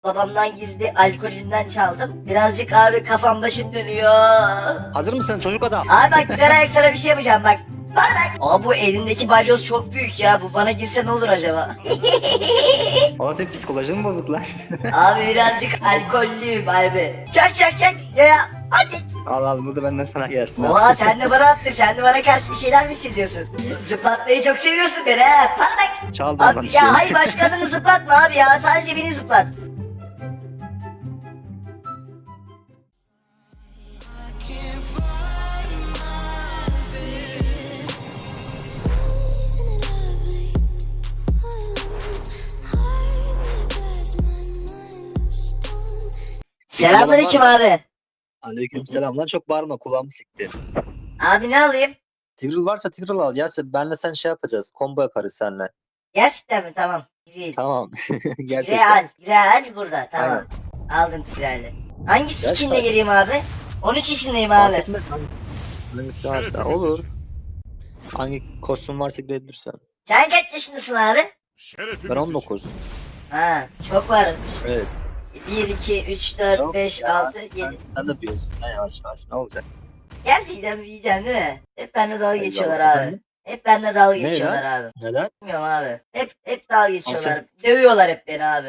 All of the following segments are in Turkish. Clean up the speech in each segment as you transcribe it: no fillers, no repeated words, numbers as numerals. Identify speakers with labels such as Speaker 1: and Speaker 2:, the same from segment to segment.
Speaker 1: babamdan gizli alkolünden çaldım. Birazcık abi kafam başım dönüyor.
Speaker 2: Hazır mısın çocuk adam?
Speaker 1: Abi bak giderek sana bir şey yapacağım bak. Bak. Aa bu elindeki balyoz çok büyük ya. Bu bana girse ne olur acaba?
Speaker 2: Oğlum senin psikolojin bozuk lan.
Speaker 1: Abi birazcık alkollüyüm abi. Çak çak çak. Ya hadi.
Speaker 2: Al al bu da benden sana gelsin.
Speaker 1: Oha sen de bana attın. Sen de bana karşı bir şeyler mi hissediyorsun? Zıplatmayı çok seviyorsun beni ha. Parmak.
Speaker 2: Çaldı adam
Speaker 1: Abi
Speaker 2: bir şey.
Speaker 1: ya hayır başkalarını zıplatma abi ya. Sadece beni zıplat.
Speaker 3: Isn't it lovely? Heart glass, my mind of stone.
Speaker 1: Selamünaleyküm abi.
Speaker 2: Aleyküm selam lan, çok bağırma, kulağımı sikti.
Speaker 1: Abi ne alayım?
Speaker 2: Tigreal varsa Tigreal al. Yerse benle sen şey yapacağız. Combo yaparız seninle.
Speaker 1: Gerçekten mi? Tamam. Real.
Speaker 2: Tamam. Gerçekten.
Speaker 1: Real burada. Tamam. Aldım Real'i. Hangi
Speaker 2: Yaş
Speaker 1: skinle
Speaker 2: kaç?
Speaker 1: gireyim abi? 13 yaşındayım
Speaker 2: Fark
Speaker 1: abi.
Speaker 2: etmez. Hangisi varsa olur. Hangi kostüm varsa girebilirsen.
Speaker 1: Sen kaç yaşındasın abi?
Speaker 2: Ben 19.
Speaker 1: Ha, çok varmış.
Speaker 2: Evet.
Speaker 1: 1, 2, 3, 4,
Speaker 2: Yok
Speaker 1: 5,
Speaker 2: ya,
Speaker 1: 6,
Speaker 2: sen,
Speaker 1: 7.
Speaker 2: sen de büyüyorsun. Ne yavaş yavaş ne olacak?
Speaker 1: Gerçekten büyüyeceksin değil mi? Hep benimle dalga
Speaker 2: Eyvallah.
Speaker 1: geçiyorlar abi.
Speaker 2: Efendim?
Speaker 1: Hep benimle dalga
Speaker 2: Ne
Speaker 1: geçiyorlar abi.
Speaker 2: Neden?
Speaker 1: Bilmiyorum abi. Hep dalga geçiyorlar.
Speaker 2: sen-
Speaker 1: Dövüyorlar hep beni abi.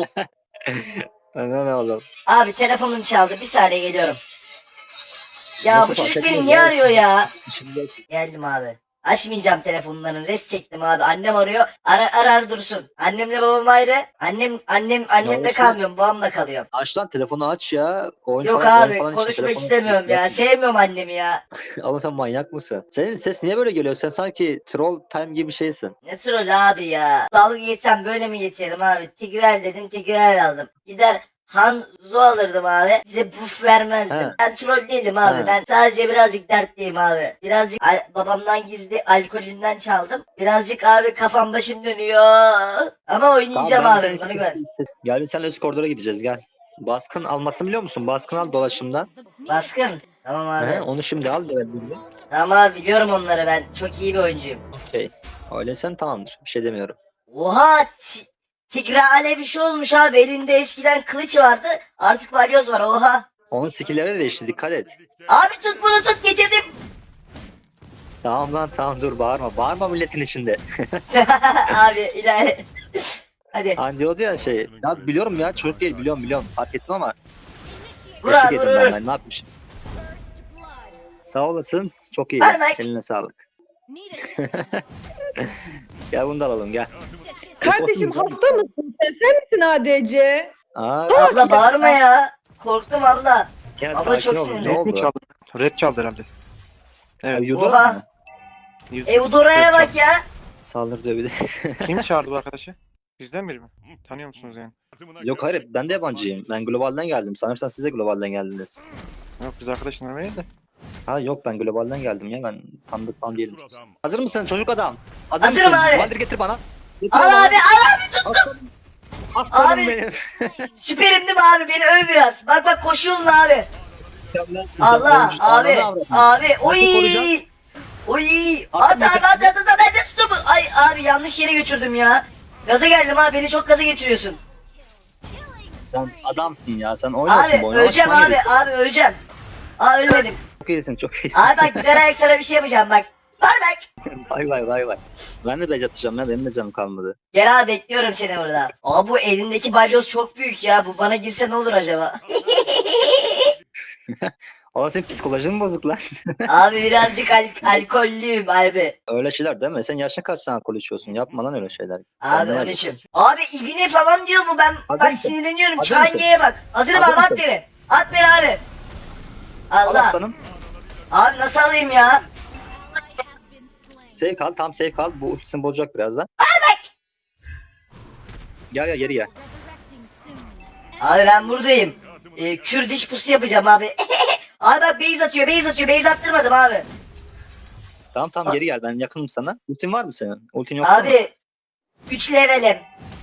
Speaker 2: Ne oğlum?
Speaker 1: Abi telefonum çaldı. Bir saniye geliyorum. Ya
Speaker 2: Nasıl
Speaker 1: bu
Speaker 2: fark
Speaker 1: çocuk
Speaker 2: etmez
Speaker 1: beni niye
Speaker 2: ya?
Speaker 1: arıyor ya?
Speaker 2: Şimdi
Speaker 1: Geldim abi. Açmayacağım telefonlarını. Res çektim abi. Annem arıyor. Arar dursun. Annemle babam ayrı. Annemle
Speaker 2: olmuş
Speaker 1: kalmıyorum. Babamla kalıyorum.
Speaker 2: aç lan, telefonu aç ya. Oyun
Speaker 1: Yok
Speaker 2: falan,
Speaker 1: abi
Speaker 2: oyun falan için
Speaker 1: konuşmak
Speaker 2: telefonu
Speaker 1: istemiyorum ya.
Speaker 2: aç.
Speaker 1: Sevmiyorum annemi ya.
Speaker 2: Ama sen manyak mısın? Senin ses niye böyle geliyor? Sen sanki troll time gibi bir şeysin.
Speaker 1: Ne troll abi ya. Dalga geçsem böyle mi geçerim abi? Tigreal dedim Tigreal aldım. Gider Hanzo alırdım abi. Size buf vermezdim.
Speaker 2: He.
Speaker 1: Ben troll değilim abi.
Speaker 2: He.
Speaker 1: Ben sadece birazcık dertliyim abi. Birazcık babamdan gizli alkolünden çaldım. Birazcık abi kafam başım dönüyor. Ama oynayacağım
Speaker 2: ben
Speaker 1: abi.
Speaker 2: senin
Speaker 1: Bana güven.
Speaker 2: Gel biz seninle üst koridora gideceğiz, gel. Baskın almasını biliyor musun? Baskın al dolaşımdan.
Speaker 1: Baskın. Tamam abi.
Speaker 2: He, onu şimdi al da ben bilmiyorum.
Speaker 1: Tamam abi biliyorum onları ben. Çok iyi bir oyuncuyum.
Speaker 2: Okey. Öyleysen tamamdır. Bir şey demiyorum.
Speaker 1: Oha Tigreal'e bir şey olmuş abi. Elinde eskiden kılıç vardı. Artık balyoz var oha.
Speaker 2: Onun skill'leri de değişti, dikkat et.
Speaker 1: Abi tut bunu tut getirdim.
Speaker 2: Tamam lan tamam, dur bağırma. Bağırma milletin içinde.
Speaker 1: Abi ilahi. Hadi.
Speaker 2: Hani diyordu ya şey. Ya biliyorum ya, çocuk değil, biliyorum. Fark ettim ama.
Speaker 1: Vur
Speaker 2: Eşlik
Speaker 1: abi
Speaker 2: edin
Speaker 1: vur vur.
Speaker 2: ben ne yapmışım. Sağ olasın. Çok iyi.
Speaker 1: Parmak.
Speaker 2: Eline sağlık. Gel bunu da alalım gel.
Speaker 4: Kardeşim hasta mısın sen? Sen misin ADC?
Speaker 2: Aa,
Speaker 1: Abla bağırma ya. Korktum abla.
Speaker 2: gel
Speaker 1: Abla
Speaker 2: sakin
Speaker 1: çok
Speaker 2: ol.
Speaker 1: sinirli.
Speaker 2: Ne
Speaker 5: Red mi
Speaker 2: oldu?
Speaker 5: çaldı? Red çaldı herhalde. Evet.
Speaker 2: Yudor
Speaker 1: Oha.
Speaker 2: mu?
Speaker 1: Eudora'ya bak ya.
Speaker 2: Saldır diyor bir de.
Speaker 5: Kim çağırdı bu arkadaşı? Bizden biri mi? Tanıyor musunuz yani?
Speaker 2: Yok hayır, ben de yabancıyım. Ben globalden geldim. Sanırsam siz de globalden geldiniz.
Speaker 5: Yok biz arkadaşlar değil de.
Speaker 2: Ha yok, ben globalden geldim ya, ben tanıdık falan değilim. Hazır mısın çocuk adam? Hazır
Speaker 1: Hazırım
Speaker 2: mısın?
Speaker 1: abi.
Speaker 2: Bandır getir bana. Getir
Speaker 1: Al
Speaker 2: bana.
Speaker 1: abi al abi.
Speaker 2: Aslanım. Aslanım
Speaker 1: Abi.
Speaker 2: benim.
Speaker 1: Süperim değil mi abi? Beni öv biraz. Bak koşuyorsun abi.
Speaker 2: Mükemmelsin sen,
Speaker 1: Allah
Speaker 2: oyuncu.
Speaker 1: abi.
Speaker 2: Ananı avradını.
Speaker 1: Abi oy.
Speaker 2: koruyacaksın?
Speaker 1: Oy.
Speaker 2: At
Speaker 1: At abi
Speaker 2: bakayım.
Speaker 1: at ben de tuttum. Ay abi yanlış yere götürdüm ya. Gaza geldim abi beni çok gaza getiriyorsun.
Speaker 2: Sen adamsın ya, sen oynuyorsun
Speaker 1: Abi
Speaker 2: bu oyunu.
Speaker 1: öleceğim
Speaker 2: Açman
Speaker 1: abi
Speaker 2: gerekiyor.
Speaker 1: abi öleceğim. Aa ölmedim.
Speaker 2: Çok iyisin, çok iyisin.
Speaker 1: Abi bak giderek sana bir şey yapacağım bak. Parmak.
Speaker 2: Vay. Ben de bece atacağım ya, benim de canım kalmadı.
Speaker 1: Gel abi bekliyorum seni orada. Aa bu elindeki balyoz çok büyük ya. Bu bana girse ne olur acaba?
Speaker 2: Ama senin psikolojin bozuk lan.
Speaker 1: Abi birazcık alkollüyüm abi.
Speaker 2: Öyle şeyler deme. Sen yaşına kaç tane alkol içiyorsun? Yapma lan öyle şeyler.
Speaker 1: Abi
Speaker 2: Ben ne
Speaker 1: ölüşüm. Abi ibine falan diyor bu ben.
Speaker 2: Hazır
Speaker 1: Bak
Speaker 2: mısın?
Speaker 1: sinirleniyorum.
Speaker 2: Hazır mısın?
Speaker 1: Çangeye bak. Hazırım
Speaker 2: Hazır
Speaker 1: abi at
Speaker 2: mısın?
Speaker 1: beni. At beni abi.
Speaker 2: Al
Speaker 1: Allah.
Speaker 2: aslanım.
Speaker 1: Abi nasıl alayım ya?
Speaker 2: Safe kal, tam safe kal. Bu ultisini bozacak birazdan. Gel geri gel.
Speaker 1: Abi ben buradayım. Kür diş pusu yapacağım abi. Abi bak base atıyor. Base attırmadım abi.
Speaker 2: Tamam geri gel, ben yakınım sana. Ultin var mı senin? Ultin yok mu?
Speaker 1: Abi 3 levelim.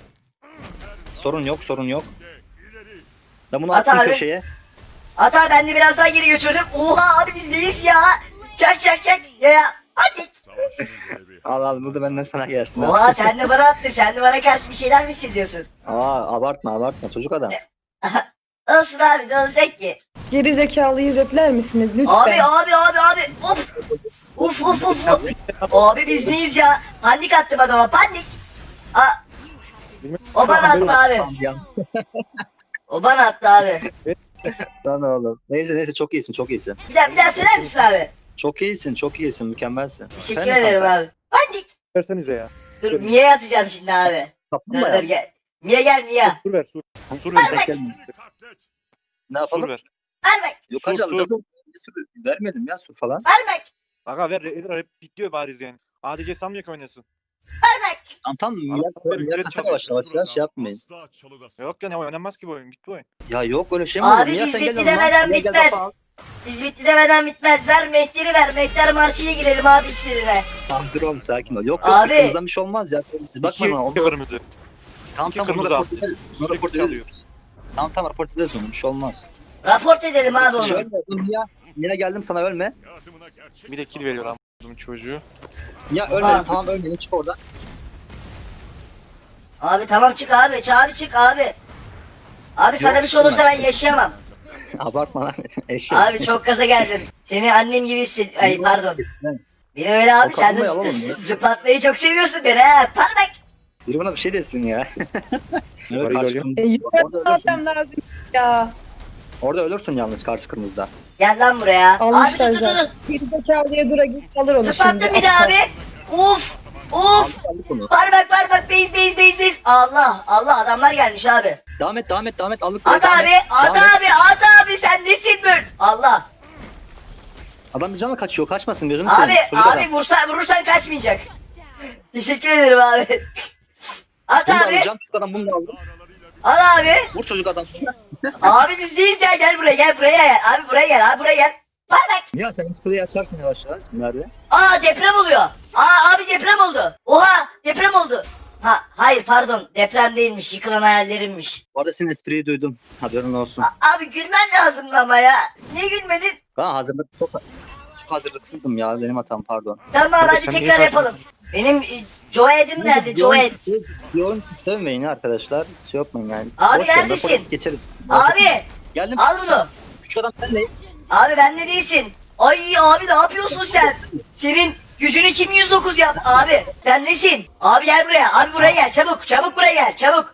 Speaker 2: Sorun yok. Ben bunu
Speaker 1: At
Speaker 2: attım
Speaker 1: abi.
Speaker 2: köşeye.
Speaker 1: Hata ben de biraz daha geri götürdüm. Oha abi biz neyiz ya? Çak. Ya. Hadi.
Speaker 2: Al al bu da benden sana gelsin.
Speaker 1: Oha sen de bana attın. Sen de bana karşı bir şeyler mi hissediyorsun?
Speaker 2: Aa abartma çocuk adam.
Speaker 1: Olsun abi ne olacak ki?
Speaker 4: Geri zekalıyı repler misiniz lütfen?
Speaker 1: Abi. Of. Of. Abi biz neyiz ya? Panik attım adama panik. Aa, o bana attı abi. O bana attı abi.
Speaker 2: Lan oğlum. Neyse çok iyisin.
Speaker 1: Bir daha söyler misin abi?
Speaker 2: Çok iyisin mükemmelsin.
Speaker 1: Teşekkür
Speaker 2: Sen de
Speaker 1: ederim
Speaker 2: kanka.
Speaker 1: abi. Panik.
Speaker 5: Versenize ya.
Speaker 1: Dur Mia'ya atacağım şimdi abi.
Speaker 2: Kaplumbağa
Speaker 1: Dur
Speaker 2: ya.
Speaker 1: gel. Mia gel Mia.
Speaker 5: Sur ver sur.
Speaker 2: Sur
Speaker 1: ver,
Speaker 2: ver, gelme. Ne
Speaker 5: Sur
Speaker 2: yapalım?
Speaker 5: ver.
Speaker 1: Ver bak.
Speaker 2: Yok hacı
Speaker 5: Sur,
Speaker 2: alacağız. Bir sürü vermedim ya sur falan.
Speaker 1: Ver bak.
Speaker 5: Aga ver hep bitiyor bariz yani. ADC sanmıyor oynasın.
Speaker 1: Ver bak.
Speaker 2: Tamam
Speaker 5: Abi,
Speaker 2: Mia kasana yavaş ya şey yapmayın.
Speaker 5: Yok ya ne oynanmaz ki bu oyun. Bitti bu oyun.
Speaker 2: Ya yok öyle şey mi
Speaker 1: Abi
Speaker 2: olur? Mia
Speaker 1: biz
Speaker 2: sen
Speaker 1: bitti
Speaker 2: gel yanıma.
Speaker 1: demeden
Speaker 2: Mia gel
Speaker 1: bitmez.
Speaker 2: kafa al.
Speaker 1: Biz bitti demeden bitmez. Ver Mehter'i ver. Mehter marşıyla girelim abi içlerine.
Speaker 2: Tamam dur oğlum sakin ol. Yok
Speaker 1: Abi.
Speaker 2: kırmızıdan bir şey olmaz ya. Siz bakmayın ona.
Speaker 5: İki kırmızı.
Speaker 2: Tamam
Speaker 5: iki
Speaker 2: onu
Speaker 5: kırmızı
Speaker 2: raport
Speaker 5: aldı.
Speaker 2: ederiz. Onu raport
Speaker 5: Çalıyor.
Speaker 2: ederiz. Tamam raport ederiz onu bir şey olmaz.
Speaker 1: Raport edelim abi onu.
Speaker 2: Şöyle Mia geldim sana ölme.
Speaker 5: Bir de kill veriyor lan çocuğu.
Speaker 2: Mia
Speaker 1: Aha.
Speaker 2: ölme tamam ölme çık oradan.
Speaker 1: Abi tamam çık abi. Abi çık abi. Abi sana
Speaker 2: Yok,
Speaker 1: bir şey olursa ben
Speaker 2: çıkma.
Speaker 1: yaşayamam.
Speaker 2: Abartma lan eşek.
Speaker 1: Abi çok gaza geldin. Seni annem gibi Ay pardon.
Speaker 2: Evet.
Speaker 1: Beni öyle abi
Speaker 2: O
Speaker 1: sen de
Speaker 2: kapıyı alalım ya.
Speaker 1: zıplatmayı çok seviyorsun beni ha. Parmak.
Speaker 2: Biri bana bir şey desin ya.
Speaker 5: Yukarı
Speaker 2: Evet, karşı
Speaker 5: geliyor.
Speaker 2: kırmızı.
Speaker 4: Yukarı
Speaker 2: Orada ölürsün.
Speaker 4: zaten lazım ya.
Speaker 2: Orada ölürsün yalnız karşı kırmızıda.
Speaker 1: Gel lan buraya. Abi
Speaker 4: Almışlar
Speaker 1: dur.
Speaker 4: zaten. Geri zekalıya dura git alır onu
Speaker 1: Zıplattım
Speaker 4: şimdi.
Speaker 1: bir de abi. Uf.
Speaker 2: Aldık onu.
Speaker 1: Parmak. Base. Allah adamlar gelmiş abi.
Speaker 2: Devam et aldık.
Speaker 1: At
Speaker 2: devam
Speaker 1: abi.
Speaker 2: et.
Speaker 1: At
Speaker 2: Devam et.
Speaker 1: abi sen nesin böyle? Allah.
Speaker 2: Adam bir canla kaçıyor kaçmasın gözünü
Speaker 1: Abi
Speaker 2: seveyim. Çocuk adam.
Speaker 1: vurursan kaçmayacak. Teşekkür ederim abi. At
Speaker 2: Bunu da
Speaker 1: abi.
Speaker 2: alacağım çocuk adam bunu da aldım.
Speaker 1: Al abi.
Speaker 2: Vur çocuk adam.
Speaker 1: Abi biz değiliz ya gel buraya gel. Abi buraya gel. Parmak.
Speaker 2: Ya sen iskeleyi açarsın yavaş yavaş. Nerede?
Speaker 1: Aa deprem oluyor. Abi deprem oldu. Oha deprem oldu. Hayır pardon deprem değilmiş yıkılan hayallerimmiş.
Speaker 2: Orada senin espriyi duydum. Haberin olsun.
Speaker 1: Abi gülmen lazımdı ama ya. Niye gülmedin?
Speaker 2: Ben çok hazırlıksızdım ya benim hatam pardon.
Speaker 1: Tamam
Speaker 5: Peki,
Speaker 1: hadi
Speaker 5: sen niye
Speaker 1: tekrar
Speaker 5: kaçtın?
Speaker 1: yapalım. Benim Joed'im nerede Joed?
Speaker 2: Bir oyun sevmeyin arkadaşlar. Şey yapmayın yani.
Speaker 1: Abi
Speaker 2: Boş ver,
Speaker 1: neredesin?
Speaker 2: rapor geçeriz.
Speaker 1: Abi
Speaker 2: Geldim.
Speaker 1: al bunu.
Speaker 2: Küçük adam sen ne?
Speaker 1: Abi bende değilsin. Ay abi ne yapıyorsun sen? Senin gücünü kim 109 yap abi? Sen nesin? Abi gel buraya. Abi buraya gel. Çabuk buraya gel. Çabuk.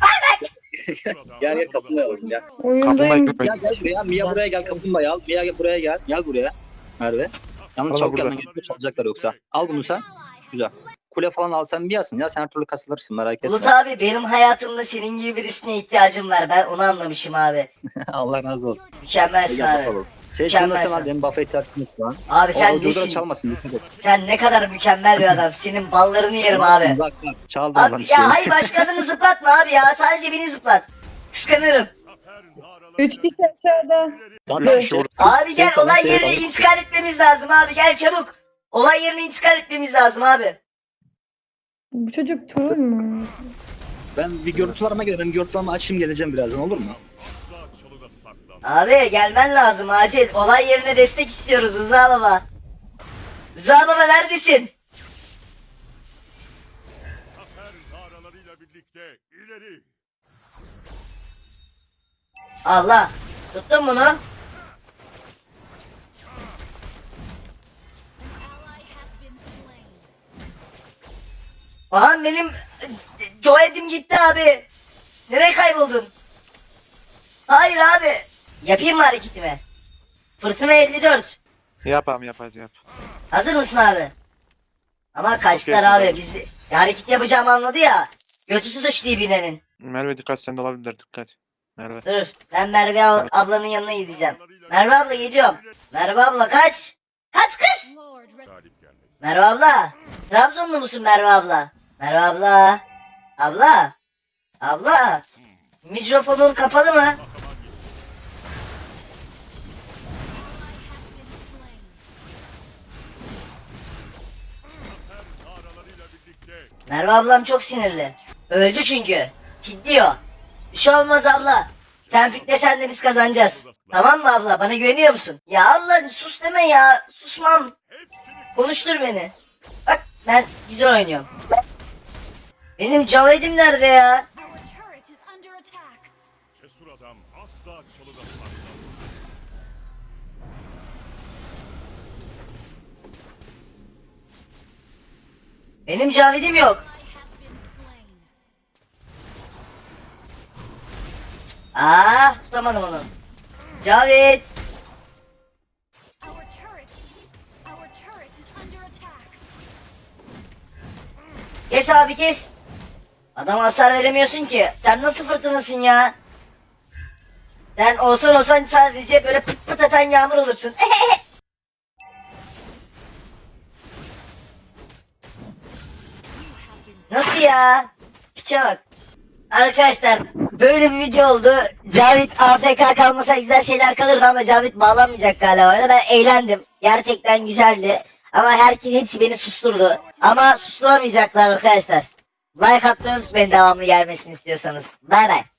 Speaker 2: Gel kapılmayalım gel.
Speaker 4: Oyundayım.
Speaker 5: Kaplumbağa
Speaker 2: Gel buraya. Mia buraya gel kapılmayı al. Mia gel buraya gel. Gel buraya. Merve. Yalnız
Speaker 5: Valla
Speaker 2: çabuk
Speaker 5: burada.
Speaker 2: gelmen gerekiyor çalacaklar yoksa. Al bunu sen. Güzel. Kule falan al sen Mia'sın ya. Sen her türlü kasılırsın merak etme.
Speaker 1: Bulut abi benim hayatımda senin gibi birisine ihtiyacım var. Ben onu anlamışım abi.
Speaker 2: Allah razı olsun.
Speaker 1: Mükemmelsin
Speaker 2: Gel
Speaker 1: abi.
Speaker 2: bakalım. Şey şunu da sen
Speaker 1: Mükemmelsin.
Speaker 2: al. Benim buff'a ihtiyacım yok şu an.
Speaker 1: Abi sen
Speaker 2: O durdura
Speaker 1: nesin?
Speaker 2: çalmasın. Dikkat et.
Speaker 1: Sen ne kadar mükemmel bir adam. Senin ballarını yerim abi.
Speaker 2: Bak. Çaldı adam
Speaker 1: Abi
Speaker 2: şeyi.
Speaker 1: ya hayır başkalarını zıplatma abi ya. Sadece beni zıplat. Kıskanırım.
Speaker 4: 3 kişi aşağıda.
Speaker 2: Zaten
Speaker 5: Şey olur.
Speaker 1: Abi gel
Speaker 2: Şey
Speaker 1: olay
Speaker 2: yapalım,
Speaker 1: yerine intikal etmemiz lazım abi. Gel çabuk. Olay yerine intikal etmemiz lazım abi.
Speaker 4: Bu çocuk troll mü?
Speaker 2: Ben bir görüntülerime göre benim görüntülerimi açayım geleceğim birazdan olur mu?
Speaker 1: Abi gelmen lazım acil. Olay yerine destek istiyoruz Rıza baba. Rıza baba neredesin? Allah. Tuttun bunu. Aha benim Joed'im gitti abi. Nereye kayboldun? Hayır abi. Yapayım mı hareketimi? Fırtına 54.
Speaker 5: Yap abi yap hadi yap.
Speaker 1: Hazır mısın abi? Ama kaçtılar
Speaker 5: Okey,
Speaker 1: abi.
Speaker 5: tamam.
Speaker 1: Biz hareket yapacağımı anladı ya. Götüsü düştü ibinenin.
Speaker 5: Merve dikkat sende olabilir dikkat. Merve.
Speaker 1: Dur ben Merve ablanın yanına gideceğim. Merve abla geliyorum. Merve abla kaç. Kaç kız. Merve abla. Trabzonlu musun Merve abla? Merve abla. Abla. Abla. Mikrofonun kapalı mı? Merve ablam çok sinirli. Öldü çünkü. Kilitliyor. Bir şey olmaz abla. Sen fitlesen de biz kazanacağız. Tamam mı abla? Bana güveniyor musun? Ya abla sus deme ya. Susmam. Konuştur beni. Ben güzel oynuyorum. Benim Cavit'im nerede ya?
Speaker 6: Cesur adam asla çalıda patlamaz.
Speaker 1: Benim Cavit'im yok. Tutamadım onu. Cavit. Kes abi kes. Adama hasar veremiyorsun ki. Sen nasıl fırtınasın ya? Sen olsan sadece böyle pıt pıt atan yağmur olursun. Nasıl ya? Piçe bak. Arkadaşlar böyle bir video oldu. Cavit AFK kalmasa güzel şeyler kalırdı ama Cavit bağlanmayacak galiba. Öyle ben eğlendim. Gerçekten güzeldi. Ama hepsi beni susturdu. Ama susturamayacaklar arkadaşlar. Like atmayı unutmayın devamlı gelmesini istiyorsanız. Bay bay.